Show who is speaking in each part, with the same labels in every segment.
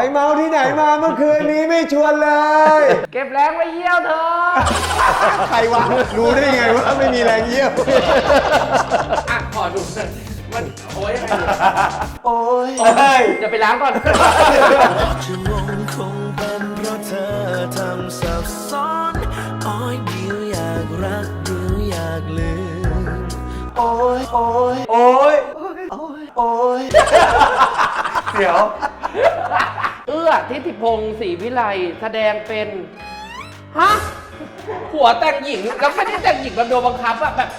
Speaker 1: เมาที่ไหนมาเมื่อคืนนี้ไม่ชวนเลย
Speaker 2: เก็บแรงไว้เยี่ยวเธอ
Speaker 1: ใครวะรู้ได้ไงว่าไม่มีแรงเยี่ยว
Speaker 2: อ่ะขอดูหน่อยมันโอ้ยยังไง
Speaker 1: โอ้ย
Speaker 2: จะไปล้างก่อน
Speaker 3: จะงงคงเป็นเพราะเธอทำสับซ้อนอ้อยเดียวอยากรักเดียวอยากลืม
Speaker 1: โอ้ยโอ้ยโอ้ยโอ้ยโอ้ยเดี๋ยว
Speaker 2: ทิติพงศ์ศรีวิไลแสดงเป็นฮะผัวแต่งหญิงแล้วไม่ได้แต่งหญิงแบบโดนบังคับอะแบบ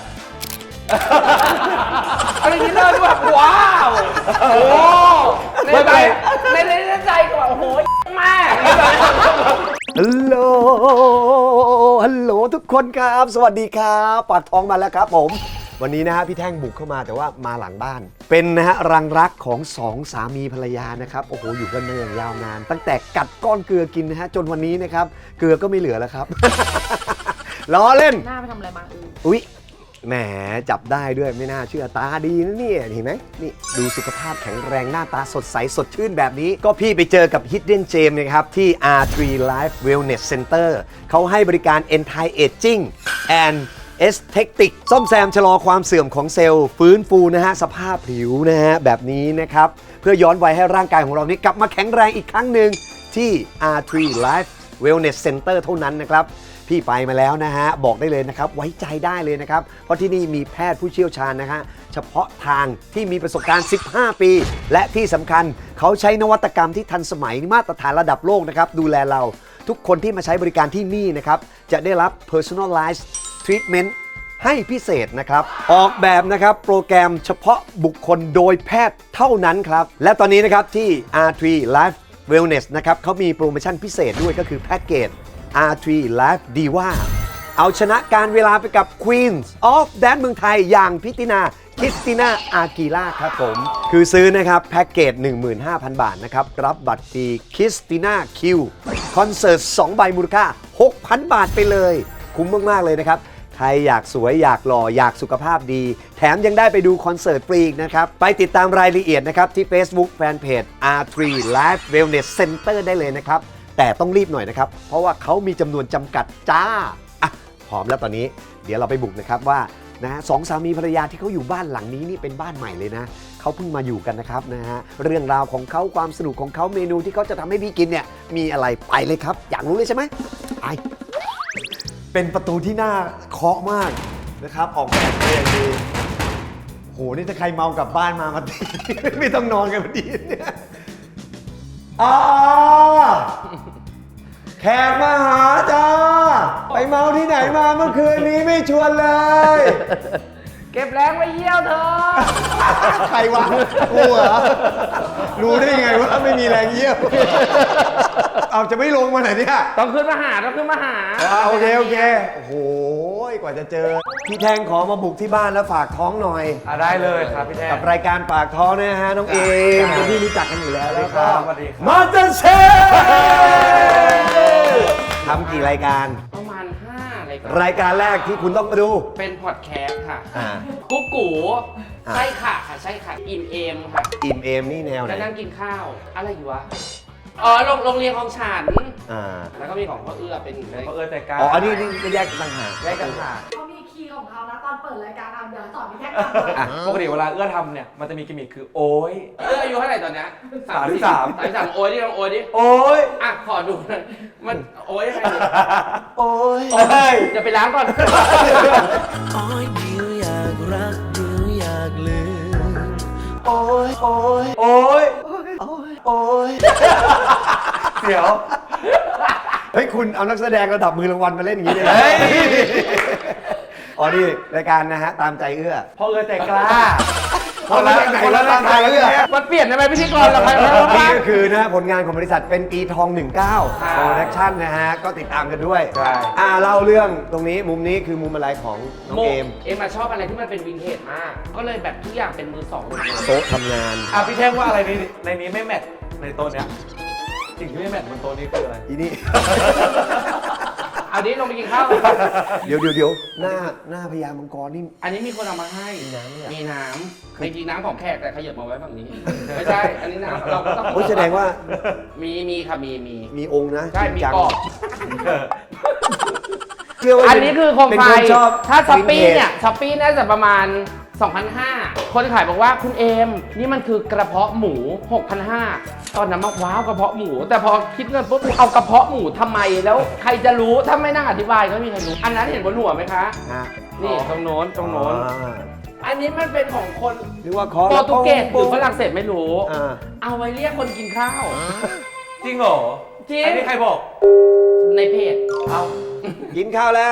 Speaker 2: อะไรอย่างนี้เลยแบบว้าวโอ้ในใจในใจก็แบบโอ้โหแม่
Speaker 1: ฮัลโหลฮัลโหลทุกคนครับสวัสดีครับปากท้องมาแล้วครับผมวันนี้นะฮะพี่แท่งบุกเข้ามาแต่ว่ามาหลังบ้านเป็นนะฮะรังรักของสองสามีภรรยานะครับโอ้โหอยู่กันมาอย่างยาวนานตั้งแต่กัดก้อนเกลือกินนะฮะจนวันนี้นะครับเกลือก็ไม่เหลือแล้วครับ ล้อเล่น
Speaker 4: หน้าไปทำอะไรมา
Speaker 1: อุ๊ยแหมจับได้ด้วยไม่น่าเชื่อตาดีนะเนี่ยเห็นไหมนี่ดูสุขภาพแข็งแรงหน้าตาสดใสสดชื่นแบบนี้ก็พี่ไปเจอกับ Hidden Gem นะครับที่ R3 Life Wellness Center เขาให้บริการ Anti Aging and Aesthetic ซ่อมแซมชะลอความเสื่อมของเซลล์ฟื้นฟูนะฮะสภาพผิวนะฮะแบบนี้นะครับเพื่อย้อนวัยให้ร่างกายของเรานี้กลับมาแข็งแรงอีกครั้งหนึ่งที่ R3 Life Wellness Center เท่านั้นนะครับพี่ไปมาแล้วนะฮะบอกได้เลยนะครับไว้ใจได้เลยนะครับเพราะที่นี่มีแพทย์ผู้เชี่ยวชาญนะฮะเฉพาะทางที่มีประสบการณ์15 ปีและที่สำคัญเขาใช้นวัตกรรมที่ทันสมัยมาตรฐานระดับโลกนะครับดูแลเราทุกคนที่มาใช้บริการที่นี่นะครับจะได้รับ personalized treatment ให้พิเศษนะครับออกแบบนะครับโปรแกรมเฉพาะบุคคลโดยแพทย์เท่านั้นครับและตอนนี้นะครับที่ R3 Life Wellness นะครับเขามีโปรโมชั่นพิเศษด้วยก็คือแพ็กเกจR3 Life Diva เอาชนะการเวลาไปกับ Queens of Dance เมืองไทยอย่างพิตินาคริสติน่าอากีล่าครับผมคือซื้อนะครับแพ็กเกจ 15,000 บาทนะครับรับบัตรฟรีคริสติน่าคิวคอนเสิร์ต2 ใบมูลค่า 6,000 บาทไปเลยคุ้มมากๆเลยนะครับใครอยากสวยอยากหล่ออยากสุขภาพดีแถมยังได้ไปดูคอนเสิร์ตฟรีอีกนะครับไปติดตามรายละเอียดนะครับที่ Facebook Fanpage R3 Life Wellness Center ได้เลยนะครับแต่ต้องรีบหน่อยนะครับเพราะว่าเขามีจำนวนจำกัดจ้าอ่ะพร้อมแล้วตอนนี้เดี๋ยวเราไปบุกนะครับว่านะสองสามีภรรยาที่เขาอยู่บ้านหลังนี้นี่เป็นบ้านใหม่เลยนะเขาเพิ่งมาอยู่กันนะครับนะฮะเรื่องราวของเขาความสนุกของเขาเมนูที่เขาจะทำให้พี่กินเนี่ยมีอะไรไปเลยครับอยากรู้เลยใช่ไหมไปเป็นประตูที่น่าเคาะมากนะครับออกแบบมาอย่างดีโหนี่ถ้าใครเมากลับบ้านมาตี ไม่ต้องนอนกันพอดีเนี่ยแขกมาหาจ้าไปเมาที่ไหนมาเมื่อคืนนี้ไม่ชวนเลย
Speaker 2: เก็บแรงไว้เยี่ยวเธอ
Speaker 1: ใครวะกูเหรอรู้ได้ไงว่าไม่มีแรงเยี่ยวเอาจะไม่ลงมาไหนเนี่ย
Speaker 2: ต้องขึ้นมาหา
Speaker 1: โอเคโอ้โหกว่าจะเจอพี่แทงขอมาบุกที่บ้านแล้วฝากท้องหน่อย
Speaker 5: ได้เลยครับพี่แทน
Speaker 1: กับรายการปากท้องเนี่ยฮะน้องเอมเป็นที่รู้จักกันอยู่แล้วแล้วก็
Speaker 5: สวัสดีครับ
Speaker 1: มาสเตอร์เชฟทำกี่รายการ
Speaker 2: ประมาณ5รายการ
Speaker 1: รายการแรกที่คุณต้องมาดู
Speaker 2: เป็นพอดแคสต์ค่ะ
Speaker 1: อ่า
Speaker 2: กุ๊กกู
Speaker 1: อ่า
Speaker 2: ใช่ค่ะใช่ค่ะอิ่มเอมค่ะ
Speaker 1: อิ่มเอมนี่แนวไหน
Speaker 2: แล้วนั่งกินข้าวอะไรอยู่วะโรงเรียนของฉัน
Speaker 1: อ่า
Speaker 2: แล้วก็มีของพ่อเอื้อเป็น
Speaker 5: เพราะแต่การ
Speaker 1: อ๋ออันนี้ก็แยกต่างหาก
Speaker 5: แยกกันหาก
Speaker 4: เขามีคีย์ของเขานะตอนเปิดรายการเอาเดี๋ยวสอนพี่แท็กทำ
Speaker 1: อ่ะ
Speaker 5: ปกติเวลาเอื้อทำเนี่ยมันจะมีกิมมิคคือโอ้ย
Speaker 2: เอื้ออายุเท่าไหร่ตอนเนี้ย
Speaker 5: 33
Speaker 2: โอ้ยดิลองโอ้ยดิ
Speaker 1: โอ้ย
Speaker 2: อ่ะขอดูหน่อยมันโอ้ยยังไงดิ
Speaker 1: โอ้ย
Speaker 2: จะไปล้างก่อน
Speaker 3: อ้อยเดียวอยากรักเดียวอยากลืม
Speaker 1: โอ้ยโอ้ยโอ้ยโอ้ย
Speaker 5: เดี๋ยว
Speaker 1: เฮ้ยคุณเอานักแสดงระดับมือรางวัลมาเล่นอย่างนี้เลยอ๋อนี่รายการนะฮะตามใจเอื้อ
Speaker 5: เพราะแต่กล้า
Speaker 1: คนละไหนแล้วตามใจเอื้อ
Speaker 2: มันเปลี่ยนได้ไหมพิธีกรเราใคร
Speaker 1: นี่ก็คือนะผลงานของบริษัทเป็นปีทอง 19 โปรดักชั่นนะฮะก็ติดตามกันด้วยเล่าเรื่องตรงนี้มุมนี้คือมุมอะไรของน้องเอม
Speaker 2: เอมมาชอบอะไรที่มันเป็นวินเทจมาก ก็เลยแบบทุกอย่างเป็นมือสองหมดเลย
Speaker 1: โต๊ะทำงาน
Speaker 5: พี่แท่งว่าอะไรในนี้ไม่แมทในโต๊ะเนี้ยสิ่งที่ไม่แมทบนโต๊ะนี้คืออะไร
Speaker 1: อีนี่
Speaker 2: เอาดิลงไปกินข้าว
Speaker 1: เดี๋ยวหน้าพญามังกรนี่
Speaker 2: อันนี้มีคนเอามาให้
Speaker 1: มีน้ำเนี่ย
Speaker 2: มีน้ำจริงๆน้ำของแขกแต่ขยับมาไว้ฝั่งนี้ ไม่ใช่ อันนี้น้ำเราก็ต้อง
Speaker 1: โอ้ยแสดงว่า
Speaker 2: มีค่ะมี
Speaker 1: มีองค์นะ
Speaker 2: ใช่ มี
Speaker 1: จริงจัง
Speaker 2: กรอบ
Speaker 1: เชื่อว่า
Speaker 2: อันนี้คือโคม
Speaker 1: เป็น
Speaker 2: ไฟ
Speaker 1: คนชอบ
Speaker 2: ถ้าช้อปปี้
Speaker 1: วินเทจ
Speaker 2: เนี่ยช้อปปี้น่าจะประมาณ 2,500 คนขายบอกว่าคุณเอม นี่มันคือกระเพาะหมู 6,500 ตอนนั้นมาว้าวกระเพาะหมู แต่พอคิดเงินปุ๊บเอากระเพาะหมูทำไมแล้วใครจะรู้ถ้าไม่นั่งอธิบายก็ไม่มีใครรู้ อันนั้นเห็นบนหัวไหมคะ
Speaker 1: ฮะ
Speaker 2: นี่ตรงโน้น
Speaker 1: อ่า
Speaker 2: อันนี้มันเป็นของคน
Speaker 1: หรือว่าคอ
Speaker 2: โปรตุเกสหรือฝรั่งเศสไม่รู้
Speaker 1: อ่า
Speaker 2: เอาไว้เรียกคนกินข้าว
Speaker 5: จริงเหรอ
Speaker 2: จริง
Speaker 5: อันนี้ใครบอก
Speaker 2: ในเพจ
Speaker 5: เอา
Speaker 1: กินข้าวแล้ว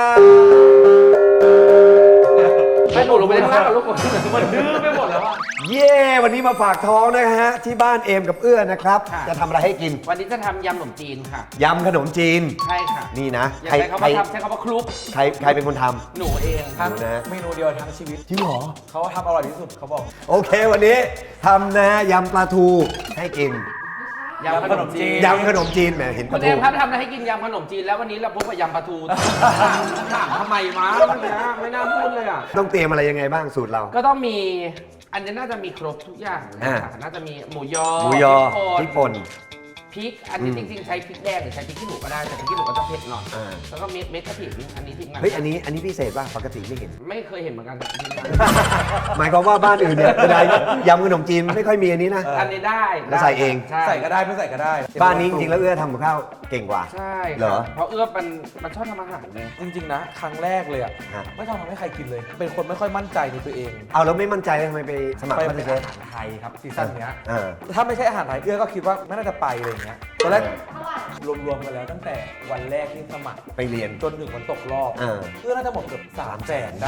Speaker 2: ไปหนูลงไปข้างล่างกับลูกมันดื้อไปหมดแล้วอะ
Speaker 1: เย้วันนี้มาฝากท้องนะฮะที่บ้านเอมกับเอื้อนะครับ
Speaker 2: ค่ะ
Speaker 1: จะทำอะไรให้กิน
Speaker 2: วันนี้จะทำยำขนมจีนค่ะ
Speaker 1: ยำขนมจีน
Speaker 2: ใช่ค่ะ
Speaker 1: นี่นะ
Speaker 2: อย่า
Speaker 1: ใคร
Speaker 2: ใช้คำ
Speaker 1: ใคร
Speaker 2: ว่าทำใช้คำว่าคลุก
Speaker 1: ใครเป็นคนท
Speaker 2: หนูเอง
Speaker 5: ทั้ง
Speaker 1: นะ
Speaker 5: เมนูเดียวทั้งชีวิต
Speaker 1: ำจริงเหรอ
Speaker 5: เขาทำอร่อยที่สุดเขาบอก
Speaker 1: โอเควันนี้ทำนะยำปลาทูให้กิน
Speaker 2: ยำขนมจีน
Speaker 1: ยำขนมจีนแหมเห็นป
Speaker 2: คุ
Speaker 1: ลา
Speaker 2: ณเอ
Speaker 1: ทู
Speaker 2: มครับทำอะไรให้กินยำขนมจีนแล้ววันนี้เราพบกับยำปลาทูถามทำไมมาไม่น่าพูดเลยอ่ะ
Speaker 1: ต้องเตรียมอะไรยังไงบ้างสูตรเรา
Speaker 2: ก็ต้องมีอันนี้น่าจะมีครบทุกอย่างนะคะน่าจะมีหมูยอ
Speaker 1: หมูยอพ
Speaker 2: พ
Speaker 1: ริ
Speaker 2: ริ
Speaker 1: ก
Speaker 2: ก
Speaker 1: ป่น
Speaker 2: พริกอันนี้จริงๆใช้พริกแดงหรือใช้พริกขี้หนูก็ได้แต่พริกขี้หนูก็จะเผ็ดหน่อย
Speaker 1: อ่า
Speaker 2: แล้วก็เม็ดกระถิ่นอันนี้ทิ้งมา
Speaker 1: เฮ้ยอันนี้พิเศษป่ะปกติไม่เห็น
Speaker 2: ไม่เคยเห็นเหมือนกัน
Speaker 1: หมายความว่าบ้านอื่นเนี่ยเวลายำขนมจีนไม่ค่อยมีอันนี้นะ
Speaker 2: อันนี้ได้
Speaker 1: แล้วใส่เอง
Speaker 2: ใช่
Speaker 5: ใส่ก็ได้ไม่ใส่ก็ได้
Speaker 1: บ้านนี้จริงๆแล้วเอื้อทำกับข้าวเก่งกว่า
Speaker 2: ใช่
Speaker 1: เหรอ
Speaker 2: เพราะเอื้อมันชอบทำอาหารเลย
Speaker 5: จริงๆนะ ครั้งแรกเลยอ่ะ
Speaker 1: ฮะ
Speaker 5: ไม่ต้องทำให้ใครกินเลย เป็นคนไม่ค่อยมั่นใจในตัวเอง
Speaker 1: เอาแล้วไม่มั่นใจทำไมไปสมัคร
Speaker 5: ไป
Speaker 1: มาส
Speaker 5: เป็น
Speaker 1: เตอร์เช
Speaker 5: อา
Speaker 1: ฟ
Speaker 5: หารไทยครับซีซั่นเนี้ย
Speaker 1: อ่า
Speaker 5: ถ้าไม่ใช่อาหารไทยเอื้อก็คิดว่าไม่น่าจะไปอะไรอย่างเงี้ยตอนแรก
Speaker 4: เท่าไหร่
Speaker 5: รวมๆกันแล้วตั้งแต่วันแรกที่สมัคร
Speaker 1: ไปเรียน
Speaker 5: จนถึงวันตกรอบ
Speaker 1: อ่า
Speaker 5: เอื้อน่าจะหมดเกือบ300,000ได้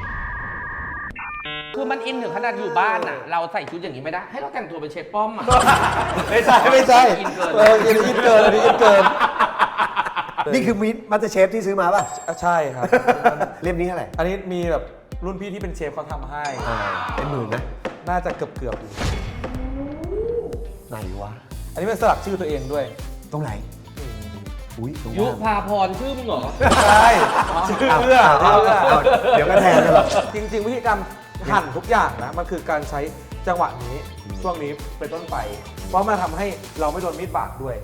Speaker 2: คือมันอินถึงขนาดอยู่บ้านอ่ะ เราใส่ชุดอย่างนี้ไม่ได้ ให้เราแต่งตัวเป็นเชฟป้อมอ่ะ
Speaker 1: ไม่ใช่
Speaker 2: อินเกิน
Speaker 1: อินเกินอันนี้อินเกิน นี่คือมิตรมาสเตอร์เชฟที่ซื้อมาป่ะ
Speaker 5: ใช่ครับ
Speaker 1: เล่มนี้เท่าไหร่
Speaker 5: อันนี้มีแบบรุ่นพี่ที่เป็นเชฟเขาทำให้
Speaker 1: เป็นหมื่นนะ
Speaker 5: น่าจะเกือบอยู่
Speaker 1: ไหนวะ
Speaker 5: อันนี้เป็นสลักชื่อตัวเองด้วย
Speaker 1: ตรงไหน อุ้ยตรง
Speaker 2: ยุ
Speaker 1: ล่าง
Speaker 2: พาพรชื่อมึงเหรอ
Speaker 5: ใช่ชื่อเอื้อ
Speaker 1: เอาเดี๋ยวก็แทนกันหรอก
Speaker 5: จริงๆวิธีการหั่นทุกอย่างนะ มันคือการใช้จังหวะนี้ช่วงนี้เป็นต้นไป เพราะมันทำให้เราไม่โดนมีดบาดด้วย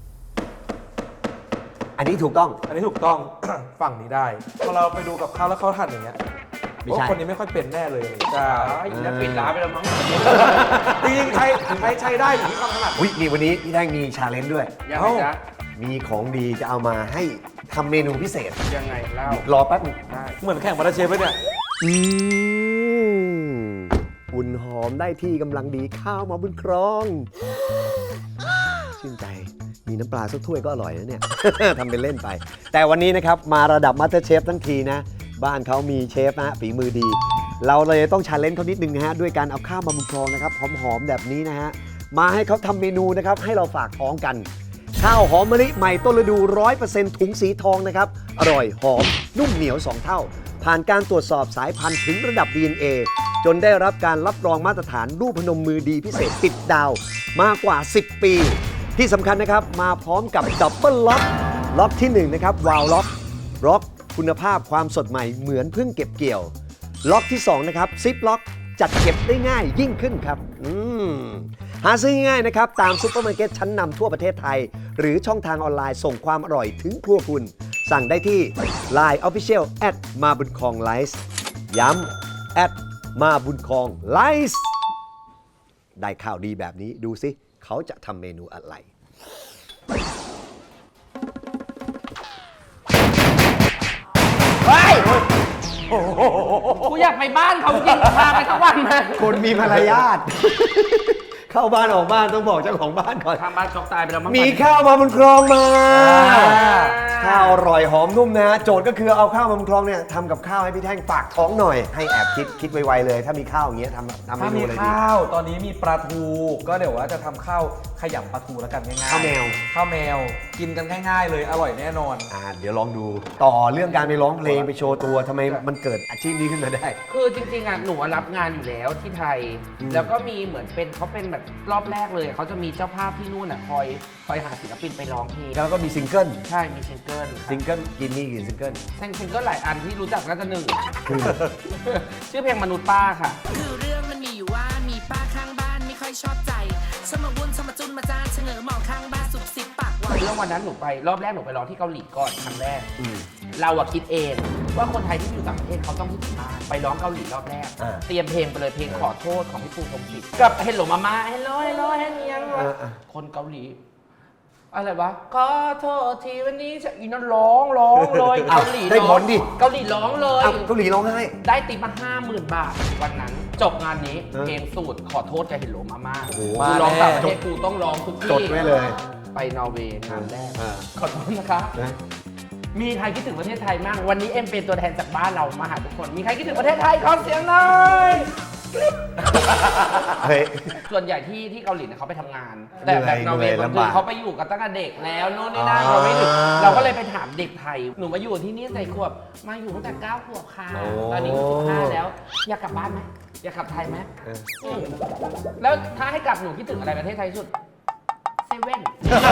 Speaker 1: อันนี้ถูกต้อง
Speaker 5: อันนี้ถูกต้อง ฝั่งนี้ได้พอเราไปดูกับข้าวแล้วเขาหั่นอย่างเงี้ย
Speaker 1: ไม่ใช่
Speaker 5: โอ้คนนี้ไม่ค่อยเป็นแน่เลยใช่
Speaker 2: จะปิดร้านไปแล้วมั้ง
Speaker 5: จริงๆใช้ได้อยู่ที่ความถนัด
Speaker 1: อุ้ยนี่วันนี้พี่แท่งมีชาเลนจ์ด้วย
Speaker 2: ยังไงจ๊ะ
Speaker 1: มีของดีจะเอามาให้ทำเมนูพิเศษ
Speaker 2: ยังไงเล่าร
Speaker 1: อแป๊บนึง
Speaker 2: ได้
Speaker 5: เหมือนแข่งมาราเชฟเลยเนี่ย
Speaker 1: อุ่นหอมได้ที่กำลังดีข้าวมาบุญครอง ชื่นใจ มีน้ำปลาสักถ้วยก็อร่อยนะเนี่ย ทำเป็นเล่นไป แต่วันนี้นะครับ มาระดับมาสเตอร์เชฟทั้งทีนะ บ้านเขามีเชฟนะฝีมือดี เราเลยต้องชาเลนจ์เขานิดนึงนะฮะ ด้วยการเอาข้าวมาบุญครองนะครับ หอมๆแบบนี้นะฮะ มาให้เขาทำเมนูนะครับ ให้เราฝากท้องกัน ข้าวหอมมะลิใหม่ต้นฤดู 100% ถุงสีทองนะครับ อร่อยหอม นุ่มเหนียว 2 เท่า ผ่านการตรวจสอบสายพันธุ์ถึงระดับ DNA จนได้รับการรับรองมาตรฐานรูปพนมมือดีพิเศษติดดาวมากกว่า 10 ปี ที่สำคัญนะครับ มาพร้อมกับดับเบิลล็อก ล็อกที่ 1 นะครับ วาลล็อกคุณภาพความสดใหม่เหมือนเพิ่งเก็บเกี่ยว ล็อกที่ 2 นะครับซิปล็อกจัดเก็บได้ง่ายยิ่งขึ้นครับหาซื้อง่ายๆนะครับ ตามซุปเปอร์มาร์เก็ตชั้นนำทั่วประเทศไทย หรือช่องทางออนไลน์ส่งความอร่อยถึงครัวคุณ สั่งได้ที่ Line Official มาบุญคองไลฟ์ย้ำมาบุญคองไลฟ์ได้ข่าวดีแบบนี้ดูสิ เขาจะทำเมนูอะไร
Speaker 2: เฮ้ยกูอยากไปบ้านเขาจริงพาไปทั้งวันมา
Speaker 1: คนมีมารยาท เข้าบ้านออกบ้านต้องบอกเจ้าของบ้านก่อน
Speaker 2: ทางบ้านช็อกตายไปแล้วมั้ง
Speaker 1: มีข้าวมาบนคลองมา ข้าวอร่อยหอมนุ่มนะ โจทย์ก็คือเอาข้าวมาบนคลองเนี่ยทำกับข้าวให้พี่แท่งฝากท้องหน่อย ให้แอบคิดไวๆเลย ถ้ามีข้าวอย่างเงี้ยทำเม
Speaker 5: ถ้า
Speaker 1: นู
Speaker 5: มี
Speaker 1: อะไรดี
Speaker 5: ข้าวตอนนี้มีปลาทู ก็เดี๋ยวว่าจะทำข้าวขยำปลาทูแล้วกันง่ายๆ
Speaker 1: ข้าวแมว
Speaker 5: ข้าวแมวกินกันง่ายๆเลยอร่อยแน่นอน
Speaker 1: เดี๋ยวลองดูต่อเรื่องการไปร้องเพลงไปโชว์ตัวทำไมมันเกิดอาชีพนี้ขึ้นมาได้
Speaker 2: คือจริงๆอ่ะหนูรับงานอยู่แล้วที่ไทย แล้วก็มีเหมือนเป็นเขาเป็นแบบรอบแรกเลยเขาจะมีเจ้าภาพที่นู่นอ่ะคอยหาศิลปินไปร้องเพลง
Speaker 1: แล้วก็มีซิงเกิล
Speaker 2: ใช่มีซิงเกิล
Speaker 1: ซิงเกิลกินนี่กี่ซิงเกิล
Speaker 2: ซิงเกิลหลายอันที่รู้จักน่าจะหนึ่ง ชื่อเพลงมนุษย์ป้าค่ะ
Speaker 6: คือเรื่องมันมีอยู่ว่ามีป้าข้างบ้านไม่ค่อยชอบใจชอบมาวุ่นชอบมาจุนมาจ้านเฉงอหมอข้างบ้านสุบสิบปากหวาน
Speaker 2: เรื่องวันนั้นหนูไปรอบแรกหนูไปร้องที่เกาหลีก่อนครั้งแรก เราอะคิดเองว่าคนไทยที่อยู่ต่างประเทศเขาต้องคิดถึงบ้านไปร้องเกาหลีรอบแรก เตรียมเพลงไปเลยเพลงขอโทษของพี่ปูพงษ์ศิษฐ์กับเฮลโลมาม่าเฮลโลเฮลโลเฮเนียงคนเกาหลีอะไรวะขอโทษทีวันนี้จะอีนั่นร้องเลยเกาหลี
Speaker 1: ได้ผลดิ
Speaker 2: เกาหลีร้องเลย
Speaker 1: เกาหลีร้องไห้
Speaker 2: ได้ติปมา 50,000 บาทวันนั้น จบงานนี้
Speaker 1: เออ
Speaker 2: เพลงสูตรขอโทษกับเฮลโลมาม่า
Speaker 1: โอ้โห
Speaker 2: กูร้องต่างประเทศกูต้องร้องทุกที่
Speaker 1: จดไว้เลย
Speaker 2: ไปนอร์เวย์งานแรก
Speaker 1: อ่า
Speaker 2: ขอโทษนะคะ
Speaker 1: นะ
Speaker 2: มีใครคิดถึงประเทศไทยมั่งวันนี้เอ็มเป็นตัวแทนจากบ้านเรามาหาทุกคน มีใครคิดถึงประเทศไทยขอเสียงหน่อย
Speaker 1: เฮ้ย
Speaker 2: ส่วนใหญ่ที่เกาหลีเนี่ยเขาไปทำงาน แต่แบบนอร์เวย์
Speaker 1: เหนื่อย
Speaker 2: บาง
Speaker 1: ลำ
Speaker 2: ที
Speaker 1: บาก
Speaker 2: เขาไปอยู่กันตั้งแต่เด็กแล้วนู่นนี่นั่น
Speaker 1: อ่า
Speaker 2: เราไม่ถึงเราก็เลยไปถามเด็กไทยหนูมาอยู่ที่นี่ใส่ขวบมาอยู่ตั้งแต่9 ขวบค่ะ
Speaker 1: โอ้
Speaker 2: ตอนนี้15แล้ว อยากกลับบ้านไหมอยากกลับไทยไหม
Speaker 1: เออ
Speaker 2: แล้วถ้าให้กลับหนูคิดถึงอะไรประเทศไทยที่สุดเซเว่น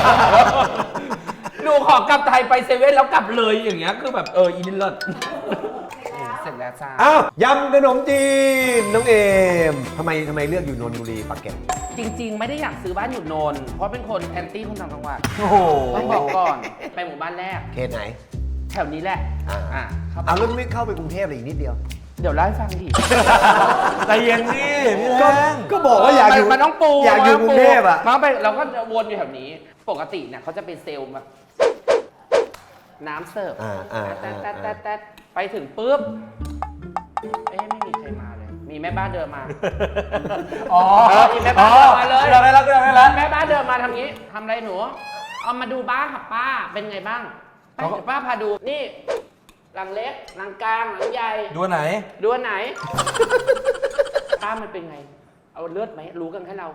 Speaker 2: หนูขอกลับไทยไปเซเว่นแล้วกลับเลยอย่างเงี้ยคือแบบอีนี่เลิศเสร็จแล้วจ้า
Speaker 1: อ้าวยำขนมจีนน้องเอมทำไมเลือกอยู่นนทบุรีปากเกร็ด
Speaker 2: จริง ๆ ไม่ได้อยากซื้อบ้านอยู่นนท์เพราะเป็นคนแอนตี้คนต่างจังหวัด
Speaker 1: โอ้โห
Speaker 2: ต้องบอกก่อนไปหมู่บ้านแรก
Speaker 1: เขตไหน
Speaker 2: แถวนี้แหละเข้าไป
Speaker 1: เอาแล้วไม่เข้าไปกรุงเทพเลยอีกนิดเดียว
Speaker 2: เดี๋ยวเล่าให้ฟังดิ
Speaker 5: ใจเย็นดิพี่แทง
Speaker 1: ก็บอกว่าอยากอยู่
Speaker 2: มันต้องปู
Speaker 1: อยากอยู่กรุงเทพอ่ะ
Speaker 2: มันไปเราก็จะวนอยู่แถวนี้ ปกติเนี่ยเขาจะเป็นเซลล์แบบน้ำเสิร์ฟแต๊ดไปถึงปุ๊บไม่มีใครมาเลย มีแม่บ้านเดินมา
Speaker 5: อ๋อ
Speaker 2: มีแม่บ้านเดินมาเลย
Speaker 5: เราได้แล้วได้แล้ว
Speaker 2: แม่บ้านเดินมาทำงี้ทำอะไรหนู เอามาดูบ้านค่ะป้า เป็นไงบ้างไปเดี๋ยวป้าพาดู นี่ หลังเล็ก หลังกลาง หลังใหญ่
Speaker 5: ดูอันไหน
Speaker 2: ดูอันไหน ป้ามันเป็นไง เอาเลือดไหม รู้กันแค่เรา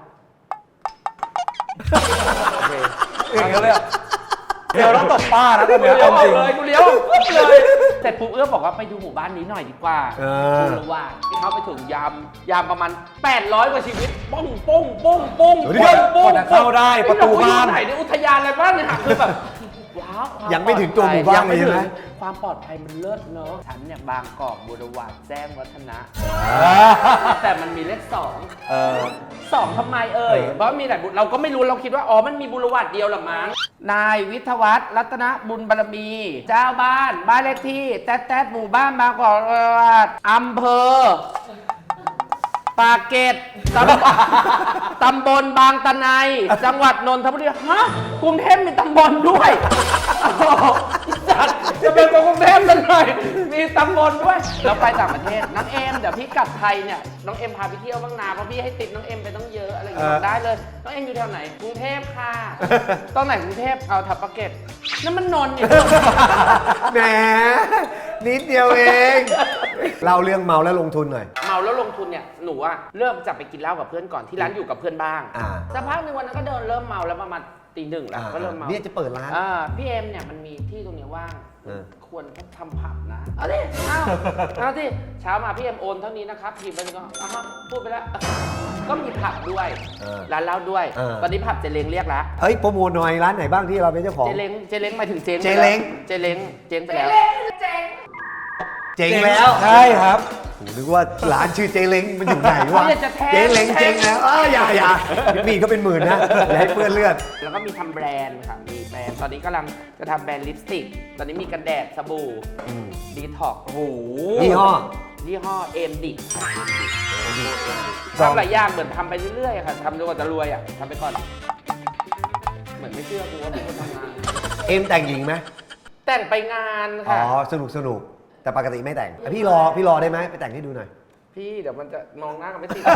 Speaker 2: โอเค
Speaker 5: อย่างนั้นเลยอะเดี๋ยวเราตบป้านะตอน
Speaker 2: กู
Speaker 5: เนี้ย
Speaker 2: เลี้ยว
Speaker 5: เอา
Speaker 2: ออ
Speaker 5: จริ
Speaker 2: ก
Speaker 5: ง
Speaker 2: เลยกูเลี้ยวปุ๊บเลยเสร็จปุ๊บเอื้อบอกว่าไปดูหมู่บ้านนี้หน่อยดีกว่า
Speaker 1: เออ
Speaker 2: ดูว่าที่เขาไปถึงยามประมาณ800 กว่าชีวิตป้องป้องป้องป้อง
Speaker 1: เดี๋ยว
Speaker 2: ป้อง
Speaker 5: กว่าจะเข้าได้ประตูบ้าน
Speaker 2: ไหนในอุทยานอะไรบ้างเนี่ยคือแบบว้าวควา
Speaker 1: ยังไม่ถึงตัวหมู่บ้านเลยใช่ไหม
Speaker 2: ความปลอดภัยมันเลิศเนอะฉันเนี่ยบางกอกบุรวาดแจ้งวัฒนะ แต่มันมีเลข2
Speaker 5: เออ
Speaker 2: 2ทำไมเพราะมีหลายบุเราก็ไม่รู้เราคิดว่ามันมีบุรวัตเดียวหรอมั้งนายวิทยวัฒน์รัตนบุญบารมี เจ้าบ้านเลขที่แต๊ดหมู่บ้านบางกอกบุรวาดอำเภอปากเกร็ดตำบลบางตะไนจังหวัดนนทบุรีฮะกรุงเทพมีตำบลด้วยจัดจะเป็นกรุงเทพกันหน่อยมีตำบลด้วยเราไปต่างประเทศน้องเอ็มเดี๋ยวพี่กลับไทยเนี่ยน้องเอ็มพาไปเที่ยวบ้างนาเพราะพี่ให้ติดน้องเอ็มไปต้องเยอะอะไรอย่างเงี้ยได้เลยน้องเอ็มอยู่แถวไหนกรุงเทพค่ะตอนไหนกรุงเทพเอาแถวปากเกร็ดนั่นมันนนท์นี่
Speaker 1: แหมนิดเดียวเองเล่าเรื่องเมาแล้วลงทุนหน่อย
Speaker 2: เมาแล้วลงทุนเนี่ยหนูอะเริ่มจะไปกินเหล้ากับเพื่อนก่อนที่ร้านอยู่กับเพื่อนบ้าง
Speaker 1: อ่า
Speaker 2: สักพักหนึ่งวันนั้นก็เดินเริ่มเมาแล้วประมาณตี 1แล้วก็เริ่มเมา
Speaker 1: เนี่ยจะเปิดร้าน
Speaker 2: พี่เอ็มเนี่ยมันมีที่ตรงนี้ว่าง
Speaker 1: เออ
Speaker 2: ควรทำผับนะเอาดิเอาที่เช้ามาพี่เอ็มโอนเท่านี้นะครับพิมพ์ไปก็พูดไปแล้ว ก็มีผับด้วยร้านเหล้าด้วย ตอนนี้ผับเจเล้งเรียกแล้ว
Speaker 1: เฮ้ยโปรโมทหน่อยร้านไหนบ้างที่เราเป็นเจ้าของ
Speaker 2: เจเล้งหมายถึงเจ๊ง
Speaker 1: เจเล้ง
Speaker 2: เจเล้งเจ๊งไปแล้ว
Speaker 4: เจ๋ง
Speaker 1: เจ๋งแล้ว
Speaker 5: ใช่ครับ
Speaker 1: ผมนึกว่าร้านชื่อเจเล้งมันอยู่ไหนวะ
Speaker 2: เนี่ยจะแทง
Speaker 1: เจเล้งเจ๊งแล้วอย่ามีก็เป็นหมื่นนะอย่าให้เปื้อนเลือด
Speaker 2: แล้วก็มีทำแบรนด์ค่ะ มีแบรนด์ ตอนนี้กำลังจะทำแบรนด์ลิปสติก ตอนนี้มีกันแดดสบู่ดีท็อก
Speaker 5: โอ้โห
Speaker 1: ยี่ห้อ
Speaker 2: ยี่ห้อเอ็มดิทำหลายอย่างเหมือนทำไปเรื่อยๆค่ะทำจนกว่าจะรวยอ่ะทำไปก่อน เหมือนไม่เชื่อกูว่าเป็นคนทำงาน
Speaker 1: เอ็มแต่งหญิงไหม
Speaker 2: แต่งไปงาน
Speaker 1: อ๋อ
Speaker 2: ค่ะ
Speaker 1: สนุกแต่ปกติไม่แต่งพี่รอได้ไหมไปแต่งให้ดูหน่อย
Speaker 2: พี่เดี๋ยวมันจะมองหน้ากันไม่ติด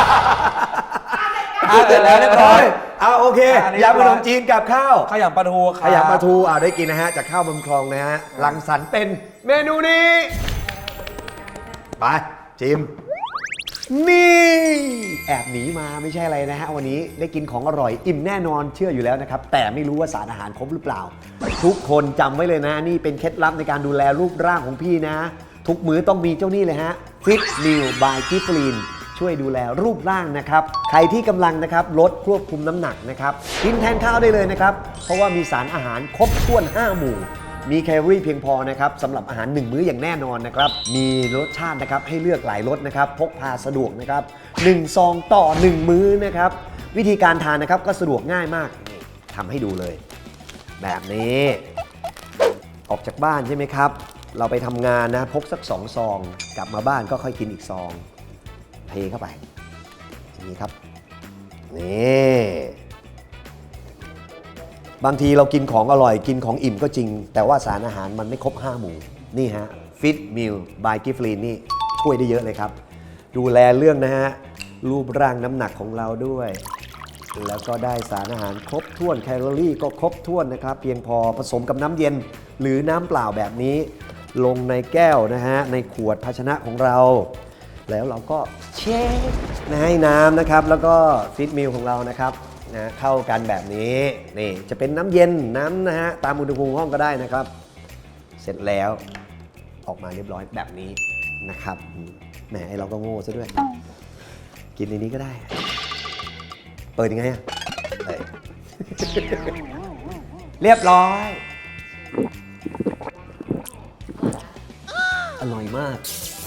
Speaker 5: เสร็จแล้วเรียบร้อย
Speaker 1: เอาโอเค
Speaker 5: อันนี้
Speaker 1: ยำขนมจีนกับข้าว
Speaker 5: ขยำปลาทูครับ
Speaker 1: ขยำปลาทูได้กินนะฮะจากข้าวบำคลองนะฮะรังสรรค์เป็นเมนูนี้ไปจิมนี่แอบหนีมาไม่ใช่อะไรนะฮะวันนี้ได้กินของอร่อยอิ่มแน่นอนเชื่ออยู่แล้วนะครับแต่ไม่รู้ว่าสารอาหารครบหรือเปล่า ทุกคนจำไว้เลยนะนี่เป็นเคล็ดลับในการดูแลรูปร่างของพี่นะ ทุกมื้อต้องมีเจ้านี่เลยฮะ Fit Meal by Giflin ช่วยดูแลรูปร่างนะครับใครที่กำลังนะครับลดควบคุมน้ำหนักนะครับกินแทนข้าวได้เลยนะครับเพราะว่ามีสารอาหารครบถ้วน 5 หมู่ มีแคลอรี่เพียงพอนะครับสำหรับอาหาร 1 มื้ออย่างแน่นอนนะครับมีรสชาตินะครับให้เลือกหลายรสนะครับพกพาสะดวกนะครับ1 ซองต่อ 1 มื้อนะครับวิธีการทานนะครับก็สะดวกง่ายมากนี่ทำให้ดูเลย แบบนี้ออกจากบ้านใช่ไหมครับเราไปทำงานนะพกสัก2 ซองกลับมาบ้านก็ค่อยกินอีกซองเทเข้าไปอย่างนี้ครับนี่บางทีเรากินของอร่อยกินของอิ่มก็จริงแต่ว่าสารอาหารมันไม่ครบ 5 หมู่นี่ฮะ Fit Meal by Giflin นี่ช่วยได้เยอะเลยครับดูแลเรื่องนะฮะรูปร่างน้ำหนักของเราด้วยแล้วก็ได้สารอาหารครบถ้วนแคลอรี่ก็ครบถ้วนนะครับเพียงพอผสมกับน้ำเย็นหรือน้ำเปล่าแบบนี้ลงในแก้วนะฮะในขวดภาชนะของเราแล้วเราก็เช็คให้น้ำนะครับแล้วก็ฟิตมิลของเรานะครับนะเข้ากันแบบนี้นี่จะเป็นน้ำเย็นน้ำนะฮะตามอุณหภูมิห้องก็ได้นะครับเสร็จแล้วออกมาเรียบร้อยแบบนี้นะครับแหมไอเราก็โง่ซะด้วยกินในนี้ก็ได้เปิดยังไงอะเรียบร้อยอร่อยมาก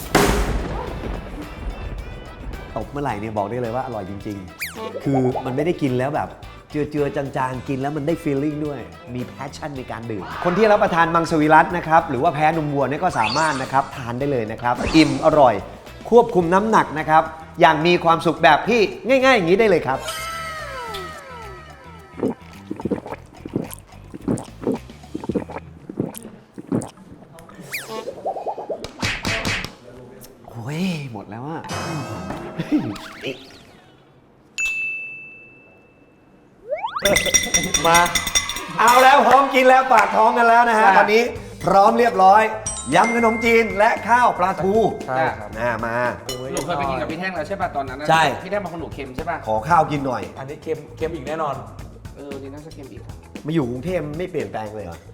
Speaker 1: ตบเมื่อไหร่เนี่ยบอกได้เลยว่าอร่อยจริงๆคือมันไม่ได้กินแล้วแบบเจือๆจางๆกินแล้วมันได้ฟีลลิ่งด้วยมีแพชชั่นในการดื่มคนที่รับประทานมังสวิรัตินะครับหรือว่าแพ้นมวัวเนี่ยก็สามารถนะครับทานได้เลยนะครับอิ่มอร่อยควบคุมน้ำหนักนะครับอย่างมีความสุขแบบพี่ง่ายๆอย่างนี้ได้เลยครับโอ้ยหมดแล้วอะมาเอาแล้วพร้อมกินแล้วปากท้องกันแล้วนะฮะตอนนี้พร้อมเรียบร้อยยำขนมจีนและข้าวปลาทู
Speaker 5: ใช่ครับ
Speaker 1: มา
Speaker 2: หนูเคยไปกินกับพี่แท่งแล้วใช่ป่ะตอนนั้นน่ะ
Speaker 1: ใช่
Speaker 2: พี่แท่งบางคนหนูเค็มใช่ป่ะ
Speaker 1: ขอข้าวกินหน่อย
Speaker 5: อันนี้เค็มอีกแน่นอน
Speaker 2: นี่น่าจะเค็มอีก
Speaker 1: มาอยู่กรุงเทพไม่เปลี่ยนแปลงเลยเหรอ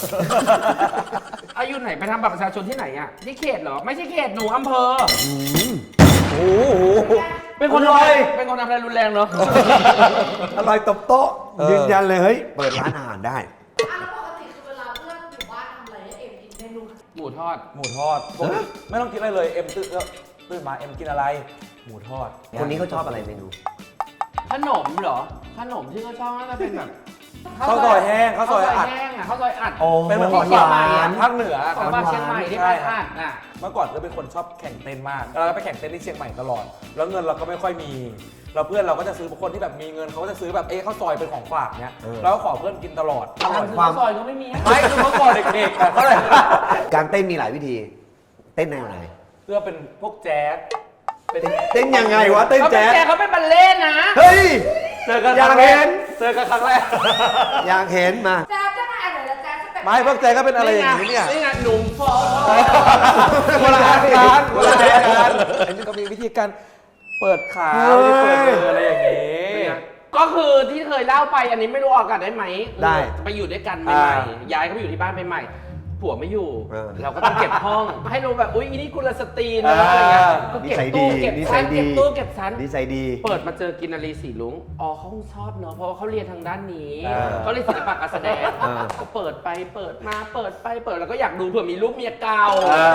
Speaker 2: อายุไหนไปทำบัตรประชาชนที่ไหนอ่ะที่เขตเหรอไม่ใช่เขตหนูอำเภอ
Speaker 1: โอ้โห
Speaker 2: เป็นคน
Speaker 1: อร่อย
Speaker 2: เป็นคนทำอะไรรุนแรงเนาะ
Speaker 1: อร่อยตบโต๊ะยืนยันเลยเฮ้ยเปิดร้านอาหารได้
Speaker 4: แล้วปกติคือเวลาเพื่อนอยู่บ้านทำอะไรให้เอ็มกินเมนู
Speaker 2: หมูทอด
Speaker 5: หมูทอดไม่ต้องกินอะไรเลยเอ็มตื่นมาเอ็มกินอะไร หมูทอด
Speaker 1: คนนี้เขาชอบอะไรเมนู
Speaker 2: ขนมเหรอขนมที่เขาชอบน่าจะเป็นแบบ
Speaker 5: ข้าวซอยแห้งข้าวซอยอัด
Speaker 2: แห้งอ่ะข้าวซอยอัด
Speaker 1: โอ้
Speaker 5: เป็นเหมือน
Speaker 1: ห
Speaker 5: ของ
Speaker 1: วา
Speaker 5: หวาน
Speaker 1: น
Speaker 5: ภาคเหนือ
Speaker 2: ของบ้านเชียงใหม่ที่
Speaker 5: ใช่
Speaker 2: บ้าน
Speaker 5: ครั
Speaker 2: อั
Speaker 5: บ
Speaker 2: ดน่ะ
Speaker 5: เมื่อก่อนก็เป็นคนชอบแข่งเต้นมากเราก็ไปแข่งเต้นที่เชียงใหม่ตลอด แล้วเงินเราก็ไม่ค่อยมีเราเพื่อนเราก็จะซื้อคนที่แบบมีเงินเขาก็จะซื้อแบบข้าวซอยเป็นของฝากเนี้ยเราก็ขอเพื่อนกินตลอดอร่อย
Speaker 2: ข้าวซอยก็ไม่มี
Speaker 5: ไม่คือเมื่อก่อนเด็กๆอะเท่าไหร่
Speaker 1: การเต้นมีหลายวิธี เต้นแนวไหน
Speaker 5: เพื่อเป็นพวกแจ๊สเป็น
Speaker 1: เต้นยังไงวะเต้น
Speaker 2: เขาเป็น
Speaker 1: แจ๊ส
Speaker 2: แกเขาเป็นบัลเล่ต์นะ
Speaker 1: เฮ้ย
Speaker 5: เจอกัน
Speaker 1: อยากเห็น
Speaker 5: เจอกันครั้งแรก
Speaker 1: อยากเห็นมา
Speaker 4: แจ๊สจะมาอะไรละแจ๊สจะเป็น
Speaker 5: ไม่พวกแจ๊สก็เป็นอะไรอย่างนี้เนี่ย
Speaker 2: นี่ไงหนุ่มฟอ
Speaker 5: คนละอาการคนละอาการอันนี้ก็มีวิธีการเปิดขาวิธีเปิดมืออะไรอย่างนี้
Speaker 2: ก็คือที่เคยเล่าไปอันนี้ไม่รู้ออกอากาศได้ไหม
Speaker 1: ได้
Speaker 2: ไปอยู่ด้วยกันใหม่ๆย้ายเขาไปอยู่ที่บ้านใหม่ๆผัวไม่อยู่ เราก็ต้องเก็บห้อง ให้รู้แบบอุ๊ยอีนี่กุลสตรีนะอะไรเงี้ยก็
Speaker 1: นิ
Speaker 2: เก็บ
Speaker 1: สัย
Speaker 2: ตู้
Speaker 1: ดี
Speaker 2: เก็บ
Speaker 1: นิสั
Speaker 2: ชั้
Speaker 1: ย
Speaker 2: น
Speaker 1: ดี
Speaker 2: เก็บตู้เก็บชั้น
Speaker 1: นิสัยดี
Speaker 2: เปิดมาเจอกินนารีสีลุงอ๋อเขาคงชอบเนอะเพราะว่าเขาเรียนทางด้านนี้
Speaker 1: เออ
Speaker 2: เขาเรียนศิลปะการแสดง
Speaker 1: เออ
Speaker 2: ก็เปิดไปเปิดมาเปิดไปเปิดแล้วก็อยากดูเผื่อมีรูปเมียเก่า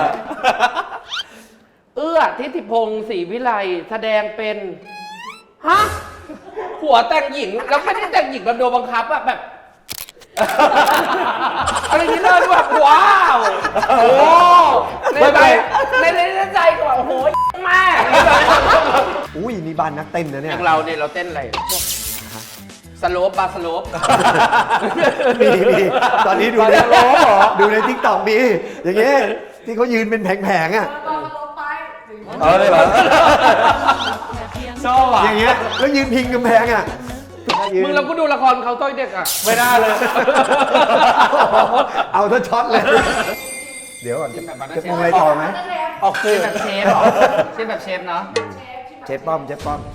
Speaker 2: ทิติพงศ์ศรีวิไลแสดงเป็นฮะผัวแต่งหญิงแล้วไม่ได้แต่งหญิงแบบโดนบังคับอะแบบ อะไรที่เลิศแบบว้าวโอ้ในใจก็แบบโอ้โหแม่
Speaker 1: อุ้ยนี่บ้านนักเต้นนะ
Speaker 2: อ
Speaker 1: เนี่ย
Speaker 2: ย่างเราเนี่ยเราเต้นอะไรพวกสโลปบาร์สโลป
Speaker 1: มีตอนนี้ดูในดูในทิกตอกมีอย่างเงี้ยที่เขายืนเป็นแผงๆอ่ะ
Speaker 4: ตอนลงไป
Speaker 5: เลยเหรอชอบอ่ะ
Speaker 1: อย่างเงี้ยแล้วยืนพิงกำแพงอ่ะ
Speaker 2: มึงเราก็ดูละครเขาต้อยเด็กอ่ะ
Speaker 5: ไม่ได้เลย
Speaker 1: เอาถ้าช็อตเลย เดี๋ยวก่อนจะปรุงอะไรต่อไหม
Speaker 5: ออกสื่อ
Speaker 2: แบบเชฟเหรอเชฟแบบเชฟเนาะ
Speaker 4: เชฟ
Speaker 1: เชฟป้อมเชฟป้อม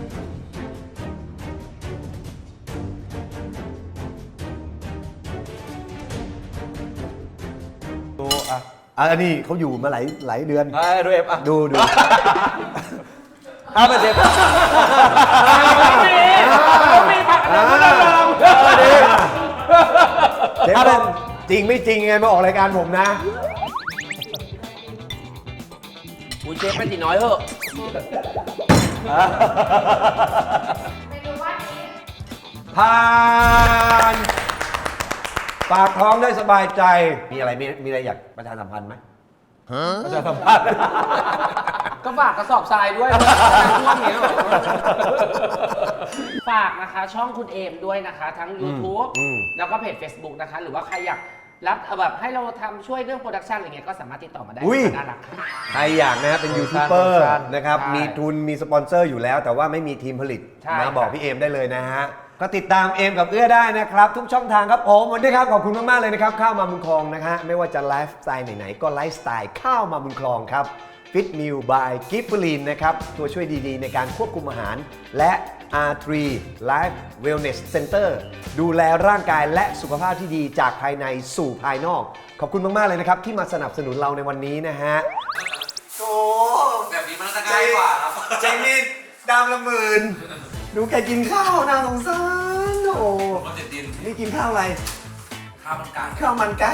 Speaker 5: ดูอ่ะ
Speaker 1: อันนี้เขาอยู่มาหลายเดือน
Speaker 5: ดูเอฟอ่ะ
Speaker 1: ดู
Speaker 5: เป็นเชฟ
Speaker 2: มีผักอะไรก็ได้ลอง
Speaker 1: เชฟป้อมจริงไม่จริงไงมาออกรายการผมนะ
Speaker 2: อุ้ยเชฟเป็นตีน้อยเหอะ
Speaker 4: เมนูว่านี้
Speaker 1: ผ่านปากท้องได้สบายใจ มีอะไรอยากประชาสัมพันธ์ไหม
Speaker 5: ประชาสัมพันธ์
Speaker 2: ก็ฝากกระสอบทรายด้วยท่วมเนี้ยเหรอฝากนะคะช่องคุณเอมด้วยนะคะ ทั้ง YouTube แล้วก็เพจ Facebook นะคะ หรือว่าใครอยากรับแบบให้เราทำช่วยเรื่องโปรดักชันอะไรเงี้ยก็สามารถติดต่อมาได้
Speaker 1: อุ้ย
Speaker 2: น่ารักค่ะ
Speaker 1: ใครอยากนะเป็นยูทูบเบอร์
Speaker 5: โปรดักชั่น
Speaker 1: นะครับ
Speaker 2: ใช่
Speaker 1: มีทุนมีสปอนเซอร์อยู่แล้ว แต่ว่าไม่มีทีมผลิต
Speaker 2: ใช่
Speaker 1: มาบอก
Speaker 2: ครับ
Speaker 1: พี่เอมได้เลยนะฮะ ก็ติดตามเอมกับเอื้อได้นะครับ ทุกช่องทางครับผมวันนี้ครับขอบคุณมาก ๆ เลยนะครับ ข้าวมาบุญคลองนะฮะไม่ว่าจะไลฟ์สไตล์ไหน ๆ ก็ไลฟ์สไตล์ข้าวมาบุญคลองครับ Fit Meal by Giftulin นะครับ ตัวช่วยดี ๆ ในการควบคุมอาหาร และ R3 Life Wellness Center ดูแลร่างกายและสุขภาพที่ดีจากภายในสู่ภายนอก ขอบคุณมาก ๆ เลยนะครับ ที่มาสนับสนุนเราในวันนี้นะฮะโอ้
Speaker 5: แบบนี้มันจะง่ายกว่าครับ
Speaker 1: ใจนี่ดามละหมื่นดูแกกินข้าวน่าสงสารโอ้
Speaker 5: มันจะดิน
Speaker 1: นี่กินข้าวอะไร
Speaker 5: ข้าวมันไก่
Speaker 1: ข้าวมันไก่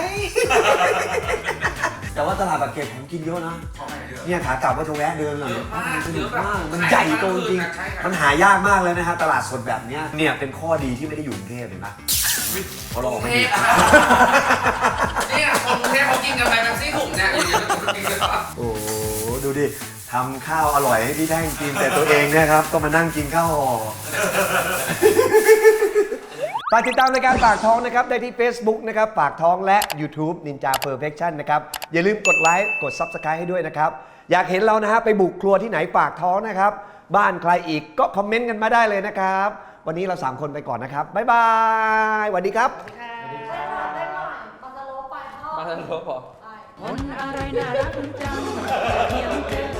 Speaker 1: แต่ว่าตลาดปากเกร็ดผมกินเยอะนะ เนี่ยขากลับก็จะแวะเดินหน่อยสนุกมากมันใหญ่โตจริงมันหายากมากเลยนะฮะตลาดสดแบบเนี้ยเนี่ยเป็นข้อดีที่ไม่ได้อยู่กรุงเทพเห็นปะพอเราออกมา
Speaker 2: เนี่ยคนกรุงเทพเขากินกันไปแบบซี่ถุงเนี่ยอยู่ๆกินกันปะ
Speaker 1: โอ้โหดูดิทำข้าวอร่อยให้พี่แท่งกินแต่ตัวเองเนะครับก็มานั่งกินข้าวห่อ ฝากติดตามรายการปากท้องนะครับได้ที่ Facebook นะครับปากท้องและ YouTube Ninja Perfection นะครับอย่าลืมกดไลค์กด Subscribe ให้ด้วยนะครับอยากเห็นเรานะฮะไปบุกครัวที่ไหนปากท้องนะครับบ้านใครอีกก็คอมเมนต์กันมาได้เลยนะครับวันนี้เรา3คนไปก่อนนะครับบ๊ายบายสวัสดีครับ
Speaker 4: ได้หน่อยตอนจะโลไปพ่อ
Speaker 5: มาทันรบพอ
Speaker 4: ไป
Speaker 6: คนอะไรน่ารักจังเทียมเจอ